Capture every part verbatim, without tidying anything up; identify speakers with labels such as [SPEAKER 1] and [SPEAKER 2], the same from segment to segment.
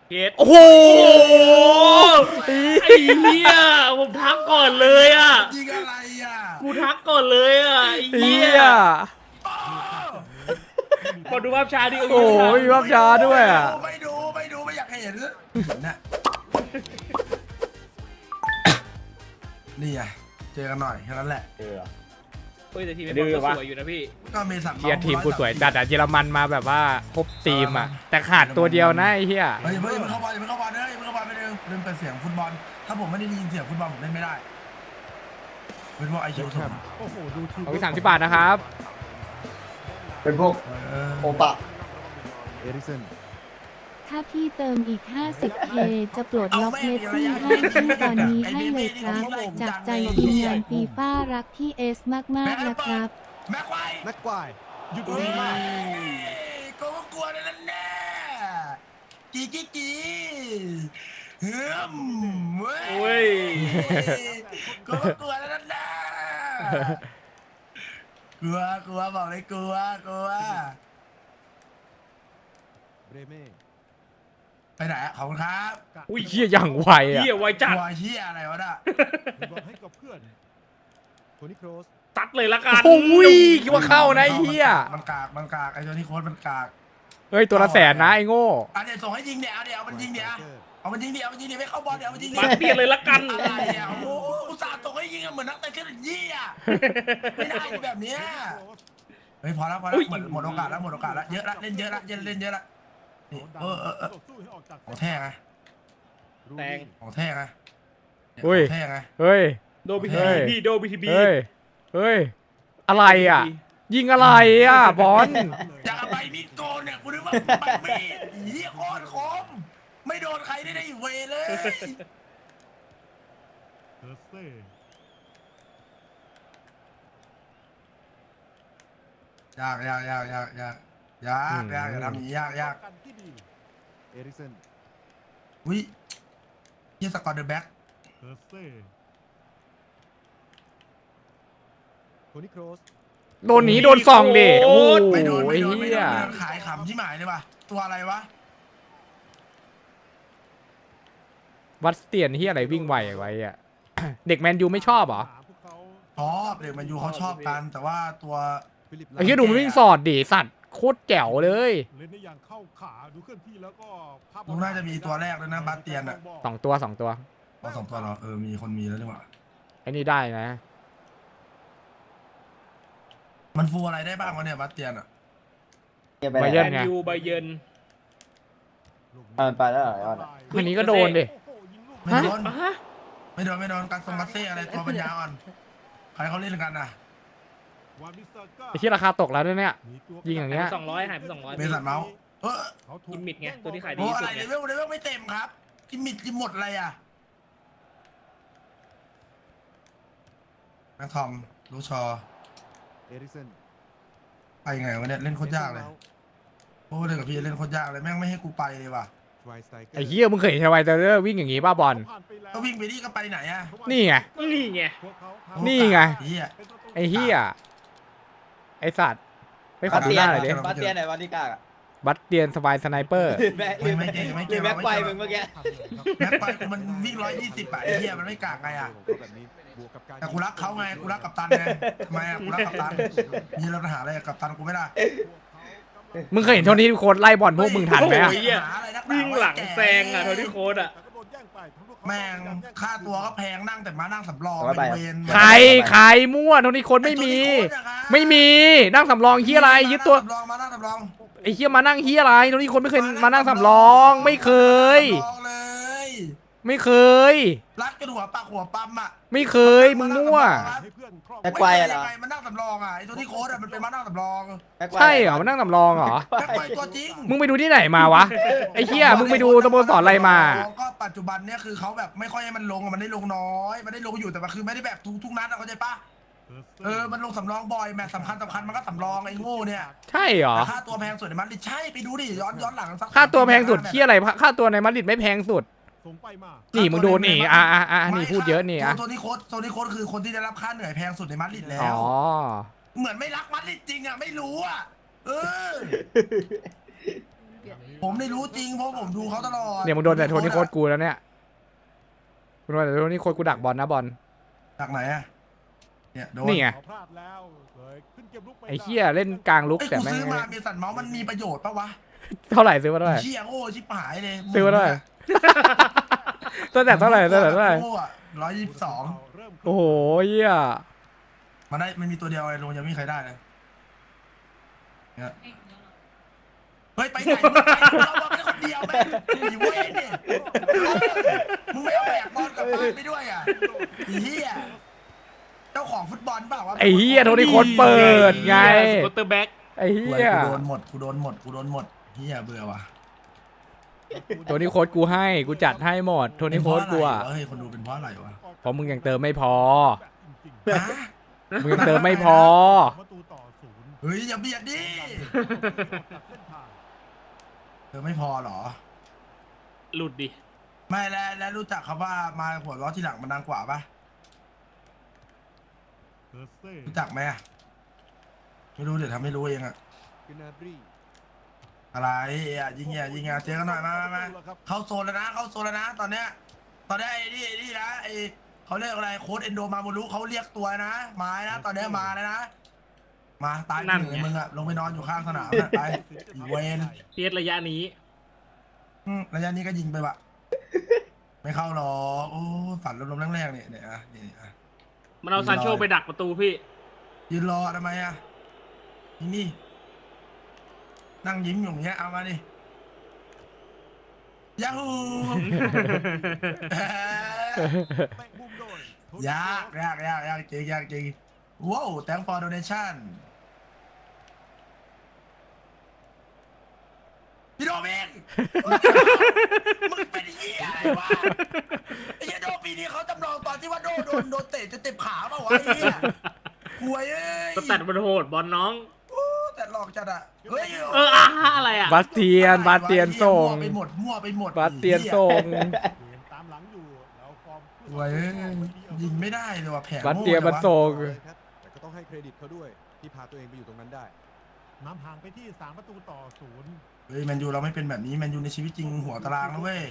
[SPEAKER 1] เกตโอ้โหไอ้เหี้ยผมทักก่อนเลยอ่ะ
[SPEAKER 2] ยิงอะไรอ่ะ
[SPEAKER 1] กูทักก่อนเลยอ่ะไอ้เหี้ยพอดูภาพช้าดิ
[SPEAKER 3] โอ้ยมีภาพช้าด้วยอ่ะ
[SPEAKER 2] ไม่ดูไม่ดูไม่อยากเห็นนะนี่ไงเจอกันหน่อยแค่นั้นแหละ
[SPEAKER 4] เออ
[SPEAKER 1] เฮ้ยแต่ทีมไม่พอสวยอยู่นะพี่
[SPEAKER 2] ก็เมสัน
[SPEAKER 3] เชียร์ทีมกูสวยจัดอะเยอรมันมาแบบว่าครบทีมอ่ะแต่ขาดตัวเดียวนะไอ้เหี้ย
[SPEAKER 2] เฮ้ยเฮ้ยมันเข้าบอลมันเข้าบอลเฮ้ยมันเข้าบอลไปเร็วลืมเปิดเสียงฟุตบอลถ้าผมไม่ได้ยินเสียงฟุตบอลผมเล่นไม่ได้เป็นพวกไอคิวถูก
[SPEAKER 3] เอาไปสามสิบบาทนะครับ
[SPEAKER 4] เป็นพวกโอปะ
[SPEAKER 5] ถ้าพี่เติมอีก ห้าสิบเค จะปลดล็อกเมสซี่ให้ชื่อตอนนี้ให้เลยครับ จากใจทีมงานฟีฟ่ารักพี่เอสมากๆนะครับ
[SPEAKER 2] แม็กไว
[SPEAKER 6] แม็กควายหยุด
[SPEAKER 2] เฮ้
[SPEAKER 6] วิ่งมาก
[SPEAKER 2] ยก็กลัวนั่นแน่กีกีกีเฮ้มเว้
[SPEAKER 1] โอ้ย
[SPEAKER 2] ก็กลัวนั่นแน่กลัวกลัวบอกเลยกลัวกลัว
[SPEAKER 6] เบรเม่
[SPEAKER 2] ไปไหนอะขอบคุณครับ
[SPEAKER 3] อุ้ยเหี้ยอย่างไวอ่ะ
[SPEAKER 1] เหี้ยไวจัด
[SPEAKER 2] กลัวเฮียอะไรวะน่ะ
[SPEAKER 6] บอลให้กับเพื่อนโทนี่โครส
[SPEAKER 1] ตัดเลยละกัน
[SPEAKER 3] โอ้ยคิดว่าเข้านะไอ้เหี้ย
[SPEAKER 2] มันกากมันกากไอ้ตัวที่โค้ดมันกาก
[SPEAKER 3] เฮ้ยตัวละแสนนะไอ้โง่
[SPEAKER 2] อ่ะเดี๋ยวส่งให้ยิงเดี๋ยวเอาเดี๋ยวเอามันยิงเดี๋ยวเอามันยิงเดี๋ยวเอามันยิงเดี๋ยวไม่เข้าบอลเดี๋ยวเอามันยิงเดี๋
[SPEAKER 1] มา
[SPEAKER 2] ยว
[SPEAKER 1] เปลี่ยนเลยละกัน
[SPEAKER 2] อะไรอ่ะโอ้โหอุตส่าห์ส่งให้ยิงอะเหมือนนักเตะเทนยี่อ่ะไม่ได้แบบเนี้ยเฮ้ยพอแล้วพอแล้วหมดหมดโอกาสแล้วหมดโอกาสแล้วเยอะละเล่นเยอะละเยอะเล่นเยอะละนี่เออเออเออของแท้ไง
[SPEAKER 1] แตง
[SPEAKER 2] ของแท้ไงเนี่ย
[SPEAKER 3] อุ้ย
[SPEAKER 2] ของแท้ไง
[SPEAKER 3] เฮ้ย
[SPEAKER 1] โดบีที
[SPEAKER 3] เฮ้ย
[SPEAKER 1] พี่โดบีทีบี
[SPEAKER 3] เฮ้ยเฮ้ยอะไรอ่ะ ยิงอะไรอ่ะบอล
[SPEAKER 2] จากใบมีดโกนเนี่ยกูนึกว่าใบมีดเหี้ยโคตรคมไม่โดนใครได้ได้อีกเวเลย
[SPEAKER 6] เทอร์เซ่
[SPEAKER 2] ยากยากยากยากยากยากยากอย่าทำอย่างนี้ยากยาก
[SPEAKER 6] กันที่ดีเอริกเซน
[SPEAKER 2] อุ้ยยี่สกอร์เดอะแบ็ก
[SPEAKER 6] เทอร์เซ่โทนี่โครส
[SPEAKER 3] โดนหนีโดนส่องดิโอ้ย
[SPEAKER 2] ไม่โดนไม่โดนไม่
[SPEAKER 3] เหี้
[SPEAKER 2] โด
[SPEAKER 3] ย
[SPEAKER 2] นไม่โดนขายขำที่หมายเลยว่ะตัวอะไรวะ
[SPEAKER 3] วัดสเตียนที่อะไรวิ่งไวไว้อ่ะ เด็กแมนยูไม่ชอบเหรอ
[SPEAKER 6] พวกเขา
[SPEAKER 2] ชอบเด็กมันยูเขาชอบกัน แต่ว่าตัว
[SPEAKER 6] ฟิลิป
[SPEAKER 3] ไอ้เหี้ยดูมันวิ่งสอดดิสัตว์โคตรแจ๋วเลย
[SPEAKER 6] เล่นได้อย่างเข้าขาดูเคลื่อนที่แล้วก็ภาพ
[SPEAKER 2] ลุงน่าจะมีตัวแรกเลยนะบาสเตียนอ่ะ
[SPEAKER 3] สองตัวสองตัว
[SPEAKER 2] ตัวสองตัวเหรอเออมีคนมีแล้วดีกว่า
[SPEAKER 3] ไอ้นี่ได้นะ
[SPEAKER 2] มันฟูอะไรได้บ้างวะเนี่ยบาสเตียนอ่ะ
[SPEAKER 3] ไบ
[SPEAKER 1] แม
[SPEAKER 3] เยิร์น
[SPEAKER 1] น
[SPEAKER 3] ไง
[SPEAKER 1] ยูไบเยิร์น
[SPEAKER 4] อ่าไปแล้วเหรอไอ้ออนอะ
[SPEAKER 3] อันนี้ก็โดนดิ
[SPEAKER 2] ไม่โดน
[SPEAKER 1] อ่ะฮะ
[SPEAKER 2] ไม่โดนไม่โดนกัสซงกัสเซ่อะไรตัวปัญญาอ่อนใครเขาเล่นกันอ่ะ
[SPEAKER 6] วามิซาก้า
[SPEAKER 3] ไอ้ที่ราคาตกแล้วด้วยเนี่ย
[SPEAKER 6] มีตัว
[SPEAKER 3] ยิงอย่างเงี้ย
[SPEAKER 1] สองร้อยหายไปสองร้อย
[SPEAKER 2] เมสันเมาส์เออ
[SPEAKER 6] เขาถู
[SPEAKER 1] กิมมิดไงตัวที่ขายดี
[SPEAKER 2] โอ้
[SPEAKER 1] ที่
[SPEAKER 2] อะ
[SPEAKER 1] สุ
[SPEAKER 2] ไร
[SPEAKER 1] ด
[SPEAKER 2] เล
[SPEAKER 1] ไง
[SPEAKER 2] เวลเลเวลไม่เต็มครับกิมมิดกิมหมดอะไรอ่ะแม็กทอมลูชอ
[SPEAKER 6] เอริกเซน
[SPEAKER 2] ไปไงวะเนี่ยเล่นโคตรยากเลยโอ้เล่นกับพี่เล่นโคตรยากเลยแม่งไม่ให้กูไปเลยว่ะ
[SPEAKER 3] ไอ้เหี้ยมึงเคยเห็นชาวไวเตอร์วิ่งอย่างงี้ป่ะบอล
[SPEAKER 2] ก็วิ่งไปนี่ก็ไปไหนอ่ะ
[SPEAKER 3] นี่ไง
[SPEAKER 1] นี่ไง
[SPEAKER 3] นี่ไง
[SPEAKER 2] เฮีย
[SPEAKER 3] ไอ้เหี้ยไอ้สัตว์ไปขอดูหน้าหน่อยดิ
[SPEAKER 4] บาสเตียนไหนวันที่กากอะ
[SPEAKER 3] บัตเตียนสบายสไนเปอร์
[SPEAKER 4] แม็กหรือแม็กหรือแม็กไฟมึงเมื่อกี้
[SPEAKER 2] แม็กไปกูมันวิ่งร้อยยี่สิบอ่ะไอ้เฮียมันไม่กากไงอ่ะแต่กูรักเขาไงกูรักกัปตันไงทำไมอ่ะกูรักกัปตันมีปัญหาอะไรกับกัปตันกูไม่ได้
[SPEAKER 3] มึงเคยเห็นโทนี่โค้ดไล่บอลพวกมึงทันไหมอะ
[SPEAKER 1] โอ้ย วิ่งหลังแซงอ่ะโทนี่โค้ดอ่ะ
[SPEAKER 2] แม่งค่าตัวก็แพงนั่งแต่มานั่งสำรองเวน
[SPEAKER 3] ใครใครมั่วโทนี่โค้ดไม่มี ไม่มีนั่งสำรองเฮียอะไรยึดตัว
[SPEAKER 2] สำรองมานั่งสำรอง
[SPEAKER 3] ไอ้เฮียมานั่งเฮียอะไรโทนี่โค้ดไม่เคยมานั่งสำรอง ไม่เคย
[SPEAKER 2] สำรองเลย
[SPEAKER 3] ไม่เคย
[SPEAKER 2] รัดกันหัวปากหัวปั๊มอ่ะ
[SPEAKER 3] ไม่เคยมึงมั่ว
[SPEAKER 4] แม็กไฟอะเหรอ
[SPEAKER 2] ไม่เคยยังไงมันนั่งสำรองอ่ะไอ้ตัวที่โค้ดอ่ะมันเป็นมานั่งสำรอง
[SPEAKER 4] แม็กไฟ
[SPEAKER 3] ใช่เหรอมานั่งสำรองเหรอ
[SPEAKER 2] แม็กไฟตัวจริง
[SPEAKER 3] มึงไปดูที่ไหนมาวะไอ้เฮียมึงไปดูสโมสรอะไรมา
[SPEAKER 2] ก็ปัจจุบันเนี่ยคือเขาแบบไม่ค่อยให้มันลงอะมันได้ลงน้อยมันได้ลงอยู่แต่ว่าคือไม่ได้แบบทุกทุกนัดอะเข้าใจปะเออมันลงสำรองบ่อยแมตช์สำคัญสำคัญมันก็สำรองไอ้โง่เนี่ย
[SPEAKER 3] ใช่เหรอ
[SPEAKER 2] แต่ค่าตัวแพงสุดในมันดิใช่ไปดูดิย้อนย้อนหลังสัก
[SPEAKER 3] ค่าตัวแพงสุดเฮียอะไรค่าตัวในมาดริดไม่แพงสุด
[SPEAKER 6] ส่งไปมา
[SPEAKER 3] นี่มึงดูนี่อ่ะอ่ะอ่ะนี่พูดเยอะนี่อ่ะ
[SPEAKER 2] โทนี่โค้ดโทนี่โค้ดคือคนที่ได้รับค่าเหนื่อยแพงสุดในมาดริดแล้
[SPEAKER 3] อ๋
[SPEAKER 2] ว
[SPEAKER 3] อ
[SPEAKER 2] เหมือนไม่รักมาดริดจริงอ่ะไม่รู้อ่ะเออผมได้รู้จริงเพราะผมดูเขาตลอด
[SPEAKER 3] เนี่ยมึงโดนแต่โทนี่โค้ดกูแล้วเนี่ยมึงโดนแต่โทนี่โค้ดกูดักบอลนะบอล
[SPEAKER 2] จากไหนอะเนี่ยโดน
[SPEAKER 3] นี่ไง
[SPEAKER 6] พลาดแล้วเลยขึ้นเกมลุกไม่
[SPEAKER 3] ไอ้
[SPEAKER 6] ได้
[SPEAKER 3] เหี้ยเล่นกลางลุก
[SPEAKER 2] ไอ้ย
[SPEAKER 3] แต่
[SPEAKER 2] กู
[SPEAKER 3] แม่ง
[SPEAKER 2] ซื้อมาเมสันเมาส์มันมีประโยชน์ปะวะ
[SPEAKER 3] เท่าไหร่ซื้อมาเท่าไหร่
[SPEAKER 2] เชี่ยโง่ชิบหายเลย
[SPEAKER 3] ซื้อมาเท่าไหร่ตั้งแต่เท่าไหร่ตั้งแต่เท่าไหร่
[SPEAKER 2] ร้อยยี่สิบสอง
[SPEAKER 6] เริ่มขึ้น
[SPEAKER 3] โอ้โหเหี้ย
[SPEAKER 2] มันได้มันมีตัวเดียวไอ้ลงยังไม่มีใครได้เลยเนี่ยเฮ้ยไปไหนมึงไปเราบอกเป็นคนเดียวแม่งอีเว้ยเนี่ยมึงไม่เอาแบกบอลกลับบ้านไปด้วยอ่ะไอ้เหี้ยเจ้าของฟุตบอลเปล่าวะ
[SPEAKER 3] ไอ้เหี้ยโทนี่โค้ดเปิดไง
[SPEAKER 1] สกอตเตอร์แบ็ก
[SPEAKER 3] ไอ้
[SPEAKER 2] กู
[SPEAKER 3] เหี้ย
[SPEAKER 2] โดนหมดกูโดนหมดกูโดนหมดเหี้ยเบื่อว่ะ
[SPEAKER 3] โทนี่โค้ดกูให้กูจัดให้หมดโทนี่โค้ดกูอ่ะ
[SPEAKER 2] เฮ้ยคนดูเป็นเพราะอะไรวะ
[SPEAKER 3] เพราะมึงยังเติมไม่พอ
[SPEAKER 6] จริง
[SPEAKER 2] ฮะ
[SPEAKER 3] มึงยังเติมไม่พอ
[SPEAKER 6] ๆประตูต่อศูนย์
[SPEAKER 2] เฮ้ยอย่าเบียดดิ
[SPEAKER 6] ตัดเส้นทาง
[SPEAKER 2] เธอไม่พอเหรอ
[SPEAKER 1] หลุดดิ
[SPEAKER 2] ไม่แล้วแล้วรู้จักคำว่ามาหัวล้อที่หลังมันดังกว่าปะ
[SPEAKER 6] เซอร์เซ่
[SPEAKER 2] รู้จักไหมอะไม่รู้เดี๋ยวทำไม่รู้เองอะ
[SPEAKER 6] กินาบรี
[SPEAKER 2] อะไรอะยิงเนี่ยยิงเนี่ยเจอกันหน่อยมามามาเข้าโซนแล้วนะเข้าโซนแล้วนะตอนเนี้ยตอนนี้ไอ้นี่ไอ้นี่นะไอ้เขาเรียกอะไรโค้ดเอนโดมาโมรุเขาเรียกตัวนะมานะตอนเนี้ยมาแล้วนะมาตายหนึ่งเลยมึงอะลงไปนอนอยู่ข้างสนามนะไปอีเวน
[SPEAKER 1] เทียสระยะนี้
[SPEAKER 2] อืมระยะนี้ก็ยิงไปวะไม่เข้าหรอกโอ้ฝันลมๆแรงๆเนี่ยเนี่ยอะนี่อะ
[SPEAKER 1] มันเอาซานโชไปดักประตูพี่
[SPEAKER 2] ยืนรอทำไมอะนี่นี่นั่งยิ้มอยู่อย่างเงี้ยเอามาดิยาฮู
[SPEAKER 6] แตะมุมโดยโทนี่
[SPEAKER 2] ยากยากยากยากจริงยากจริงว้าว thank for donation พี่โดมิน มึงเป็นเหี้ยอะไรวะไอ้เหี้ยโดปีนี้เขาจำลองตอนที่ว่าโดโดนโดนเตะจนเต็มขาเปล่าวะไอ้เหี้ยหวยเอ้ย
[SPEAKER 1] สแตทมันโหดบอลน้อง
[SPEAKER 2] โอ้แต่หลอกจัดอะเฮ้ย
[SPEAKER 1] เอออาอะไรอ่ะ
[SPEAKER 3] บาสเตียนบาสเตียนส่ง
[SPEAKER 2] มั่วไปหมดมั่วไปหมด
[SPEAKER 3] บาสเตียนส่ง
[SPEAKER 6] เกมตามหลังอยู่แล้วฟอร์ม
[SPEAKER 2] หวยเอ้ยยิงไม่ได้เลยว่ะแผล
[SPEAKER 3] บาสเตียนมันส่ง
[SPEAKER 6] ครับแต่ก็ต้องให้เครดิตเขาด้วยที่พาตัวเองไปอยู่ตรงนั้นได้นำห่างไปที่สามประตูต่อศูนย์
[SPEAKER 2] เฮ้ยแมนยูเราไม่เป็นแบบนี้แมนยูในชีวิตจริงหัวตารางนะเว้ย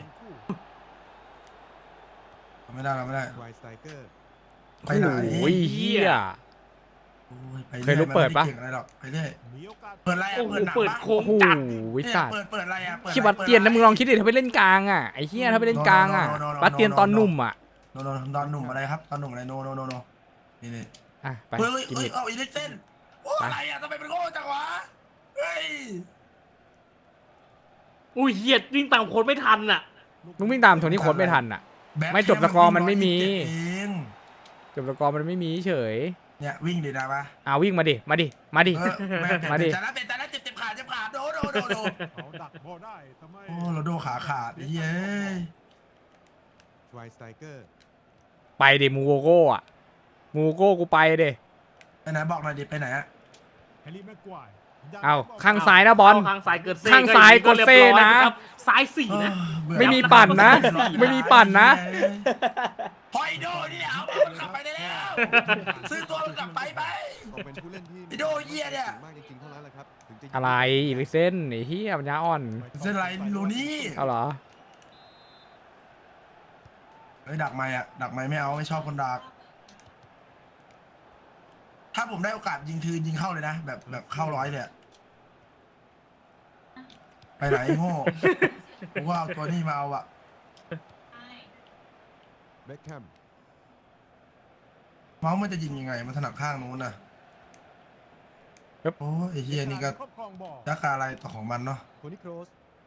[SPEAKER 2] เราไม่ได้เราไม่ได้
[SPEAKER 6] ไวสไตเกอร์
[SPEAKER 2] ไปไหน
[SPEAKER 3] โอ้ยเหี้ย
[SPEAKER 2] โอ้ยไป
[SPEAKER 3] เคยรู้เปิดปะ
[SPEAKER 2] มันไม่ไก่งอะไรหรอกไปเรื่อย
[SPEAKER 6] มีโอกาส
[SPEAKER 2] เปิดอะไรอะ
[SPEAKER 1] โอ้โห
[SPEAKER 2] เปิดหนัง
[SPEAKER 1] เปิด
[SPEAKER 2] ปะ
[SPEAKER 1] โค้
[SPEAKER 3] โอ้
[SPEAKER 1] ง
[SPEAKER 3] โห
[SPEAKER 1] จัด
[SPEAKER 3] วิ
[SPEAKER 2] เนี่ย
[SPEAKER 3] สัตว์
[SPEAKER 2] เปิดเปิดอะไรอะเปิด
[SPEAKER 3] คิดบัสเตียนนะมึงลองคิดดิถ้าไปเล่นกลางอ่ะไอ้เหี้ยถ้าไปเล่นกลางอ่ะบัสเตียนตอนหนุ่มอ่ะ
[SPEAKER 2] โนโนตอนหนุ่มอะไรครับตอนหนุ่มอะไรโนโนโนโนนี่นี่
[SPEAKER 3] อ่ะไป
[SPEAKER 2] เฮ้ยเฮ้ย
[SPEAKER 3] กิน
[SPEAKER 2] เฮ้ย
[SPEAKER 3] มิด
[SPEAKER 2] เอาอีเล็กเซนโอ้
[SPEAKER 3] ไป
[SPEAKER 2] อะไรอะทำไมเป็นโง่จังวะเฮ้ย
[SPEAKER 1] อุ้ยเหี้ยวิ่งตามโค้ดไม่ทันอ่ะ
[SPEAKER 3] มึงวิ่งตามโทนี่โค้ดไม่ทันอ่ะ
[SPEAKER 2] แบ็ค
[SPEAKER 3] ไม่จบสกอร์มันไม่มี
[SPEAKER 2] เอง
[SPEAKER 3] จบสกอร์มันไม่มีเฉย
[SPEAKER 2] เนี่ยวิ่งดินะปะ
[SPEAKER 3] อ่าวิ่งมาดิมาดิมาดิ
[SPEAKER 2] เออแม่ง
[SPEAKER 3] มาดิ
[SPEAKER 2] แต่ละเป็นแต่ละเจ็บเจ็บขาเจ็บขาโดโดโดโด
[SPEAKER 6] เขาดักบอลได้ทำไม
[SPEAKER 2] โอ้เราโดขาขาดไอ้เย้ย
[SPEAKER 6] ไวสไตเกอร์
[SPEAKER 3] ไปดิมูโกโก้อะมูโก้กูไปดิ
[SPEAKER 2] ไปไหนบอกหน่อยดิไปไหนอะ
[SPEAKER 6] แฮร์รี่แม็กควาย
[SPEAKER 3] เอาข้างซ้ายนะบอล
[SPEAKER 1] ข้างซ้ายเกิดเซ่
[SPEAKER 3] ข้างซ้ายกดเซ่นะ
[SPEAKER 1] ซ้ายสี่นะ
[SPEAKER 2] เบื่อ
[SPEAKER 3] ไม่มีปั่นนะ ไม่มีปั่นนะ
[SPEAKER 2] พอยโดนี่เอามันกลับไปได้แล้วซื้อตัวมันกลับไปไป
[SPEAKER 6] ก็เป็นผู้เล่นที่
[SPEAKER 2] ไอ้โดเหี้ยเนี่ย
[SPEAKER 6] มากจริงๆเท่านั้นแหละครับถึงจะยิง
[SPEAKER 3] อะไรอีลิเส้นไอ้เหี้ยปัญญาอ่อน
[SPEAKER 2] เส้นไรลูนี่
[SPEAKER 3] เอาเหรอ
[SPEAKER 2] เฮ้ยดักไม้อะดักไม้ไม่เอาไม่ชอบคนดักถ้าผมได้โอกาสยิงคือยิงเข้าเลยนะแบบแบบเข้าร้อยเลยอะไปไหนไอ้โง่กูว่าเอาตัวนี้มาเอาอะ
[SPEAKER 6] เบ็คแฮม
[SPEAKER 2] เมาส์มันจะยิงยังไงมันถนัดข้างนู้นน่ะ
[SPEAKER 3] ครับ
[SPEAKER 2] โอ้ยไอ้เฮียนี่ก็
[SPEAKER 6] ครอบครองบอล
[SPEAKER 2] ยักษ์อะไรต่อของมันเนาะ
[SPEAKER 6] โทนี่โครส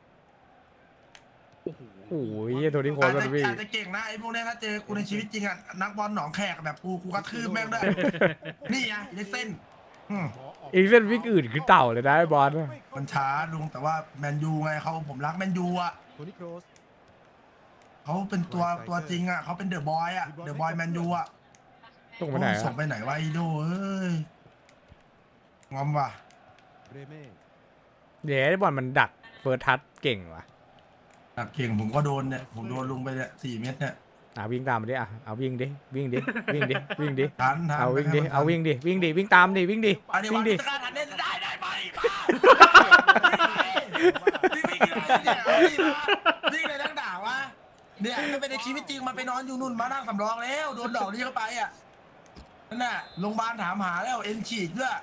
[SPEAKER 3] โอ้ยเหี้ยโทนี่โค้ด
[SPEAKER 2] อาจ
[SPEAKER 3] มัน
[SPEAKER 2] จะ
[SPEAKER 3] วิ่ง
[SPEAKER 2] อาจจะเก่งนะไอ้พวกเนี้ยถ้าเจอกูในชีวิตจริงอะนักบอลหนองแขกแบบกูกูกระทืบแม่งด้วย นี่ไงเล็กเส้นอืม
[SPEAKER 3] อีลิเส้นวิ่งอื่นคือเต่าเลยนะไอ้บอล
[SPEAKER 2] มันช้าลุงแต่ว่าแมนยูไงเขาผมรักแมนยูอะ
[SPEAKER 6] โทนี่โครส
[SPEAKER 2] เขาเป็นตัวตัวจริงอะเขาเป็นเดอะบอยอะเดอะบอยแมนยูอะ
[SPEAKER 3] ส่งไปไหน
[SPEAKER 2] โอ้ยส่ง
[SPEAKER 3] อะ
[SPEAKER 2] ไปไหนวะไอโดเอ้ยงอมว่ะ
[SPEAKER 6] เรเม่
[SPEAKER 3] เดี๋ยวไอ้บอลมันดักเฟิร์สทัชเก่งว่ะ
[SPEAKER 2] หนักเก่งผมก็โดนเนี่ยผมโดนลุงไปเนี่ยสี่เม็ดเนี่ย
[SPEAKER 3] อ่ะวิ่งตามมาดิอ่ะเอาวิ่งดิวิ่งดิวิ่งดิวิ่งดิ
[SPEAKER 2] ทันทัน
[SPEAKER 3] เอาวิ่งดิ
[SPEAKER 2] ไม่ให้มันทัน
[SPEAKER 3] เอาวิ่งดิวิ่งดิวิ่งตามดิวิ่งดิ
[SPEAKER 2] อันนี้
[SPEAKER 3] วิ่
[SPEAKER 2] วั
[SPEAKER 3] ง
[SPEAKER 2] น
[SPEAKER 3] ดิ
[SPEAKER 2] พิจารณาทันได้ได้ได้ไหมมาพี่พี่วิ่งอะไรเนี่ยวิ่งเลยนักด่าวะเนี่ยถ้าเป็นในชีวิตจริงมันไปนอนอยู่นุ่นมานั่งสำรองแล้วโดนดอกนี้เข้าไปอ่ะนั่นน่ะโรงพยาบาลถามหาแล้วเอ็นฉีกด้วย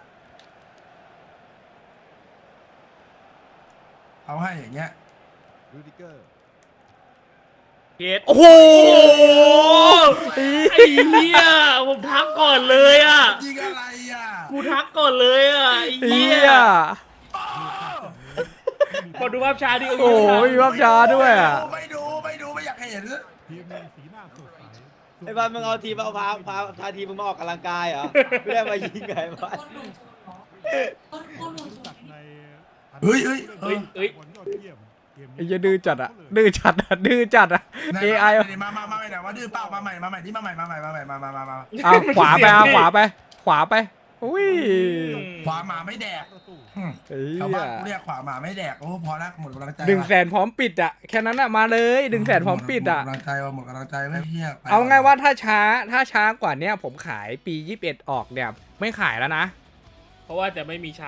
[SPEAKER 2] เอาให้อย่างเงี้ย
[SPEAKER 6] รูดิเกอร์
[SPEAKER 1] เกต
[SPEAKER 3] โอ้โห
[SPEAKER 1] ไอ้เหี้ยผมทักก่อนเลยอ่ะ
[SPEAKER 2] ยิงอะไรอ่ะ
[SPEAKER 1] กูทักก่อนเลยอ่ะไอ้
[SPEAKER 3] เฮี
[SPEAKER 1] เหี้ย
[SPEAKER 3] ย
[SPEAKER 1] ขอดูภาพช้าดิ
[SPEAKER 3] โอ้ยมีภาพช้าด้วยอ่ะ
[SPEAKER 2] ไม่ดูไม่ดูไม่อยากเห็น
[SPEAKER 6] ทีมมีสีหน้าสดใส
[SPEAKER 4] ไอ้บ้านมึงเอาทีมเอาพาพาพาทีมมึงมาออกกำลังกายเหรอไม่ได้มายิงไงบ้าน
[SPEAKER 6] รู้จักใน
[SPEAKER 2] เฮ้ยเฮ้ย
[SPEAKER 1] เฮ้ยเฮ้ย
[SPEAKER 6] บอลยอดเยี่ยมเกม
[SPEAKER 3] ไอ้
[SPEAKER 6] นี้
[SPEAKER 3] เหี้ยดื้อจัดอะดื้อจัดอะดื้อจัดอะ เอ ไอ
[SPEAKER 2] มามามาใหม่หน่อยว่าดื้อเปล่ามาใหม่มาใหม่ที่มาใหม่มาใหม่มาใหม่มามามามา
[SPEAKER 3] เอาขวาไปเอาขวาไป ขวาไปอุ้ย
[SPEAKER 2] ขวาหมาไม่แดก
[SPEAKER 6] ประตู
[SPEAKER 2] อืม
[SPEAKER 3] เฮี
[SPEAKER 2] ชาวบ้าน
[SPEAKER 3] ย
[SPEAKER 2] กูเรียกขวาหมาไม่แดกโอ้พอละหมดกำลังใจ
[SPEAKER 3] หนึ่งแสนพร้อมปิดอะแค่นั้นอะมาเลยหนึ่งแสนพร้อมปิดอะ
[SPEAKER 2] หมดกำลังใจว่าหมดกำลังใจไม่เฮีย
[SPEAKER 3] เอาไงว่าถ้าช้าถ้าช้ากว่าเนี้ยผมขายปียี่สิบเอ็ดออกเนี่ยไม่ขายแล้วนะ
[SPEAKER 1] เพราะว่าจะไม่มีช